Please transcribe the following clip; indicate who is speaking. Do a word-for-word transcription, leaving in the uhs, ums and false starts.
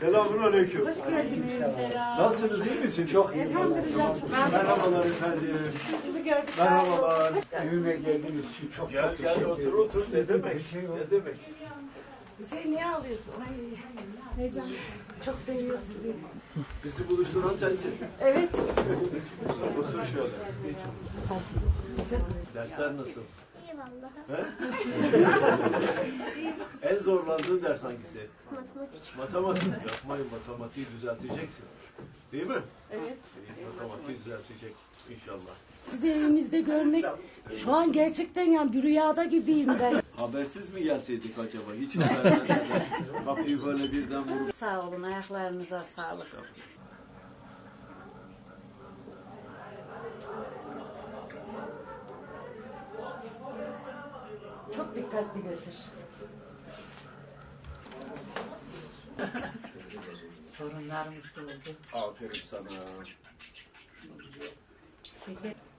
Speaker 1: Selamünaleyküm.
Speaker 2: Hoş geldiniz.
Speaker 1: Nasılsınız, iyi misiniz? Çok iyi.
Speaker 2: Elhamdülillah.
Speaker 1: Merhabalar efendim.
Speaker 2: Sizi gördük.
Speaker 1: Merhabalar.
Speaker 3: Evime geldiğiniz için çok
Speaker 1: Gel
Speaker 3: çok
Speaker 1: gel
Speaker 3: teşekkür
Speaker 1: otur
Speaker 3: ederim.
Speaker 1: otur. Ne demek?
Speaker 3: Bir şey yok.
Speaker 1: Ne demek?
Speaker 2: Hüseyin niye ağlıyorsun? Ay, heyecan. Çok seviyor sizi.
Speaker 1: Bizi buluşturan sensin.
Speaker 2: Evet.
Speaker 1: Otur şöyle. Dersler nasıl?
Speaker 4: İyi vallahi.
Speaker 1: He? En zorlandığın ders hangisi?
Speaker 4: Matematik.
Speaker 1: Matematik. Yapmayın, matematiği düzelteceksin. Değil mi?
Speaker 2: Evet.
Speaker 1: Matematiği düzeltecek inşallah.
Speaker 5: Sizi evimizde görmek şu an gerçekten yani bir rüyada gibiyim ben.
Speaker 1: Habersiz mi gelseydik acaba? Hiç haber vermeden. Kapıyı böyle birden vurup.
Speaker 5: Sağ olun, ayaklarınıza sağlık. Çok dikkatli götür.
Speaker 6: Sorunlarımız da oldu.
Speaker 1: Aferin sana.
Speaker 6: Şeker